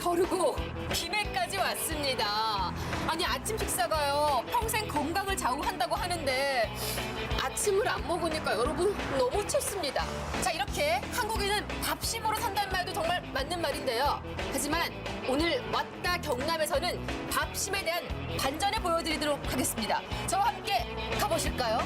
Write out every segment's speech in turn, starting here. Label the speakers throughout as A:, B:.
A: 거르고 김해까지 왔습니다. 아니 아침 식사가요 평생 건강을 좌우한다고 하는데 아침을 안 먹으니까 여러분 너무 춥습니다. 자 이렇게 한국인은 밥심으로 산다는 말도 정말 맞는 말인데요. 하지만 오늘 왔다 경남에서는 밥심에 대한 반전을 보여드리도록 하겠습니다. 저와 함께 가보실까요?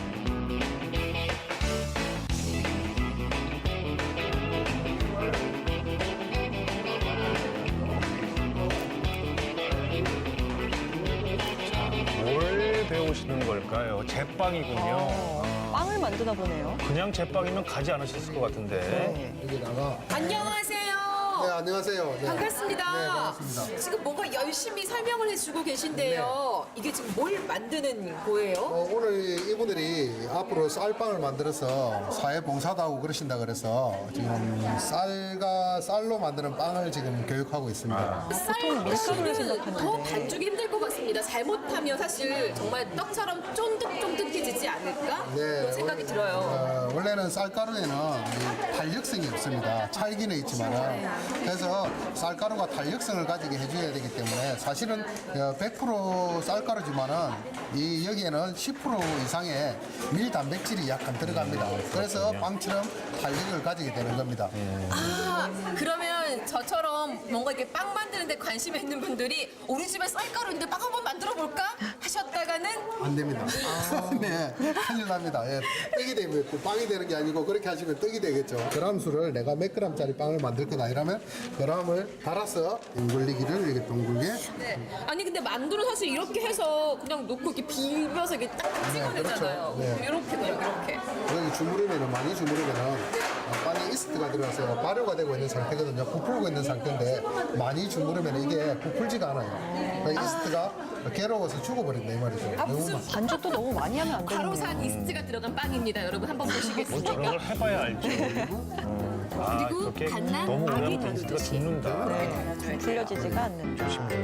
B: 뭘 배우시는 걸까요? 제빵이군요.
C: 빵을 만드나 보네요.
B: 그냥 제빵이면 가지 않으셨을 것 같은데.
D: 여기다가
A: 안녕하세요.
D: 네 안녕하세요. 네.
A: 반갑습니다.
D: 네 반갑습니다.
A: 지금 뭔가 열심히 설명을 해주고 계신데요. 이게 지금 뭘 만드는 거예요?
D: 오늘 이분들이 앞으로 쌀빵을 만들어서 사회 봉사도 하고 그러신다 그래서 지금 쌀로 만드는 빵을 지금 교육하고 있습니다.
A: 쌀
C: 밀가루를
A: 는
C: 생각하는데.
A: 더 반죽이 힘들 것 같습니다. 잘못하면 사실 정말 떡처럼 쫀득쫀득해지지 않을까? 그런 생각이 들어요.
D: 원래는 쌀가루에는 이 탄력성이 없습니다. 찰기는 있지만 그래서 쌀가루가 탄력성을 가지게 해줘야 되기 때문에 사실은 100% 쌀가루지만은 이 여기에는 10% 이상의 밀 단백질이 약간 들어갑니다. 그래서 빵처럼 탄력을 가지게 되는 겁니다.
A: 아, 그러면 저처럼 뭔가 이렇게 빵 만드는데 관심이 있는 분들이 우리 집에 쌀가루인데 빵 한번 만들어 볼까? 하셨다가는
D: 안 됩니다. 네, 큰일 납니다. 예, 떡이 되면 빵이 되는 게 아니고 그렇게 하시면 떡이 되겠죠. 그람 수를 내가 몇 그램짜리 빵을 만들 거다 이러면 그람을 달아서 둥글리기를 이렇게 둥글게.
A: 네. 아니 근데 만두는 사실 이렇게 해서 그냥 놓고 이렇게 비벼서 이렇게 딱 찍어내잖아요.
D: 그렇죠. 네.
A: 이렇게 그냥 이렇게.
D: 여기 주무르면은 많이 주무르면은 빵에 이스트가 들어가서 발효가 되고 있는 상태거든요. 부풀고 있는 상태인데 많이 주무르면 이게 부풀지가 않아요. 그러니까 이스트가 괴로워서 죽어버린다 이 말이죠. 너무
A: 무슨
D: 많-
C: 반죽도 너무 많이 하면 안 되네요.
A: 가로산 이스트가 들어간 빵입니다. 여러분 한번
B: 뭐 저런
A: 보시겠습니까?
B: 걸 해봐야 알죠. 아,
A: 그리고
B: 이렇게
A: 갓난
B: 너무 오래
A: 아기
B: 하면 이스트가
A: 다루듯이.
B: 죽는다.
C: 네, 풀려지지가 않는.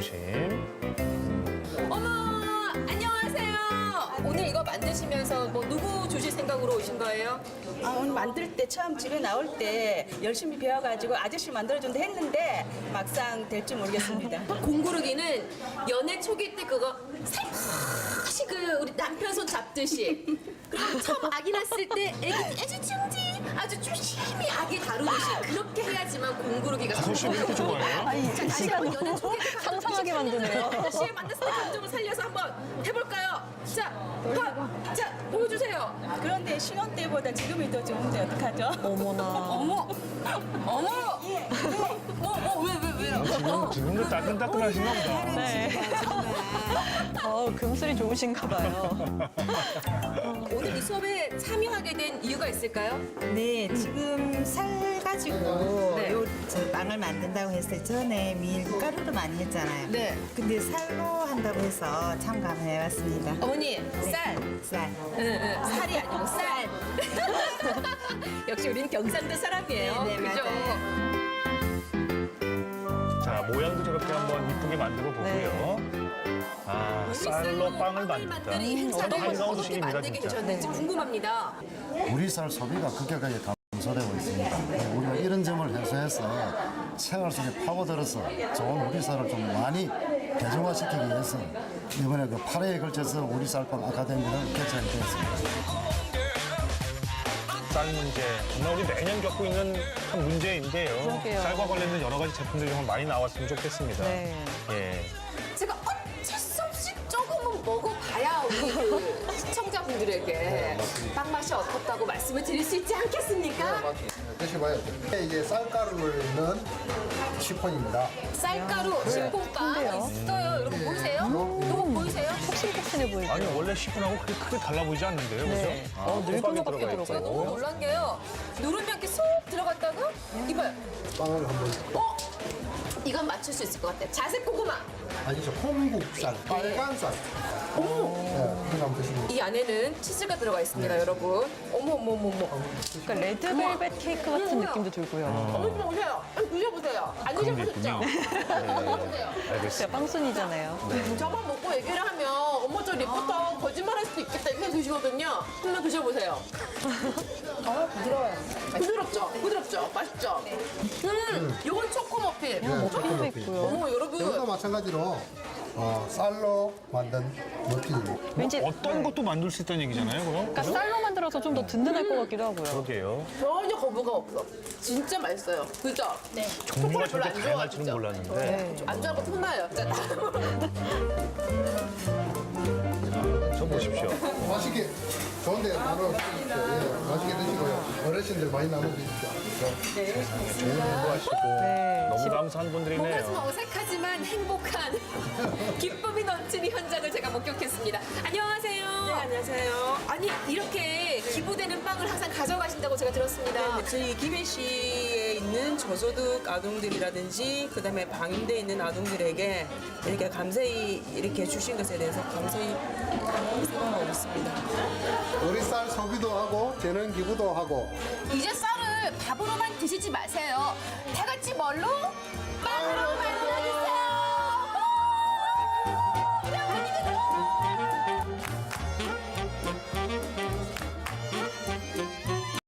B: 조심조심.
A: 어머 안녕하세요. 오늘 이거 만드시면서 뭐 누구 주실 생각으로 오신 거예요?
E: 오늘 만들 때 처음 집에 나올 때 열심히 배워가지고 아저씨 만들어준다 했는데 막상 될지 모르겠습니다.
A: 공구르기는 연애 초기 때 그거 살포시 그 우리 남편 손 잡듯이 그리고 처음 아기 낳았을 때 애기 애지중지 아주 조심히 아기 다루듯이 그렇게 해야지만 공구르기가
B: 가끔씩 이렇게 좋아해요?
C: 아니,
A: 자, 다시 한번 연애 초기 때
C: 상상하게 만드네요.
A: 다시 만났을 때 감정을 살려서 한번 해볼까요? 자 보여주세요.
E: 그런데 신혼 때보다 지금이 더 좋은데 어떡하죠?
C: 어머나.
A: 어머 왜요?
B: 지금도 따끈따끈하신가 보다.
C: 네. 금슬이 좋으신가 봐요.
A: 오늘 이 수업에 참여하게 된 이유가 있을까요?
F: 네, 지금 쌀 가지고
A: 네.
F: 저 빵을 만든다고 했어요. 전에 밀가루로 많이 했잖아요.
A: 네.
F: 근데 쌀로 한다고 해서 참가해봤습니다.
A: 어머니 쌀
F: 쌀.
A: 응, 살이 아니고 쌀. 역시 우린 경상도 사람이에요.
F: 네,
A: 그죠?
F: 맞아요.
B: 자, 모양도 저렇게 한번 이쁘게 만들어 보고요. 아, 쌀로 빵을 만든다.
A: 이 행사를
B: 한가운
A: 어떻게
B: 소식입니다,
A: 만들게
B: 진짜.
A: 되셨는지 궁금합니다.
D: 우리 쌀 소비가 급격하게 감소되고 있습니다. 우리가 이런 점을 해소해서 생활 속에 파고들어서 좋은 우리 쌀을 좀 많이 대중화시키기 위해서 이번에 그 8회에 걸쳐서 우리 쌀빵 아카데미를 개최하게 되었습니다.
B: 쌀 문제, 정말 우리 매년 겪고 있는 한 문제인데요.
C: 그러게요.
B: 쌀과 관련된 여러 가지 제품들이 좀 많이 나왔으면 좋겠습니다.
C: 네.
B: 예.
A: 제가 어쩔 수 없이 조금은 먹어봐야 우리 그 시청자분들에게 빵 맛이 어떻다고 말씀을 드릴 수 있지 않겠습니까?
D: 드셔봐야죠. 이게 쌀가루를 넣은 시폰입니다.
A: 쌀가루 식품빵
C: 큰데요?
A: 있어요. 여러분 보이세요? 이거 보이세요?
C: 폭신폭신해 보이죠?
B: 아니, 원래 시분하고 그렇게 크게 달라 보이지 않는데요,
C: 네.
B: 그죠?
C: 늙은
B: 호박이
C: 호박이
A: 제가 너무 놀란 게요. 누르면 이렇게 쏙 들어갔다가 이봐요.
D: 빵을 한번
A: 이건 맞출 수 있을 것 같아요. 자색 고구마.
D: 아니죠. 홍국쌀, 빨간 쌀. 네, 그거 한번 드시면
A: 이 안에는 치즈가 들어가 있습니다, 여러분. 어머.
C: 그러니까 레드벨벳 케이크 같은
A: 어머나.
C: 느낌도 들고요.
A: 어머 좀 오세요. 드셔보세요. 안
B: 그런 게
A: 드셔보셨죠?
B: 있군요.
A: 드셔보세요.
B: 알겠습니다.
C: 제가 빵순이잖아요.
A: 저만 먹고 얘기를 하면 어머 저 리포터 거짓말할 수도 있겠다 이렇게 드시거든요. 한번 드셔보세요. 부드러워요. 부드럽죠? 부드럽죠? 맛있죠? 이건 초코 머핀.
C: 머핀도 있고요.
A: 어머
D: 이것도
A: 여러분.
D: 마찬가지로 쌀로 만든 머핀입니다.
C: 왠지
B: 어떤 것도 만들 수 있다는 얘기잖아요, 그럼?
C: 그러니까 쌀로 만들어서 좀 더 든든할 것 같기도 하고요.
B: 그러게요.
A: 전혀 거부가 없어. 진짜 맛있어요. 그죠? 네.
B: 종류가
A: 초코를 별로
B: 저렇게
A: 안
B: 다양할 줄은
A: 좋아하시죠?
B: 몰랐는데.
A: 안 좋아하는 거 혼나요. 자,
B: 저 보십시오.
D: 맛있게 좋은데 나눠 드십시오. 예, 맛있게 드시고요. 어르신들 많이 나눠 드십시오.
B: 좋은 공부하시고 너무 감사한
A: 뭔가 좀
B: 분들이네요.
A: 어색하지만 행복한 기쁨이 넘치는 현장을 제가 목격했습니다. 안녕하세요.
E: 네, 안녕하세요.
A: 아니 이렇게 기부되는 빵을 항상 가져가신다고 제가 들었습니다.
E: 네, 저희 기배시에 있는 저소득 아동들이라든지 그다음에 방임돼 있는 아동들에게 이렇게 감사히 이렇게 주신 것에 대해서 감사히 생각하고 있습니다.
D: 우리 쌀 소비도 하고 재능 기부도 하고
A: 이제 쌀을 밥으로만 드시지 마세요. 다 같이 뭘로?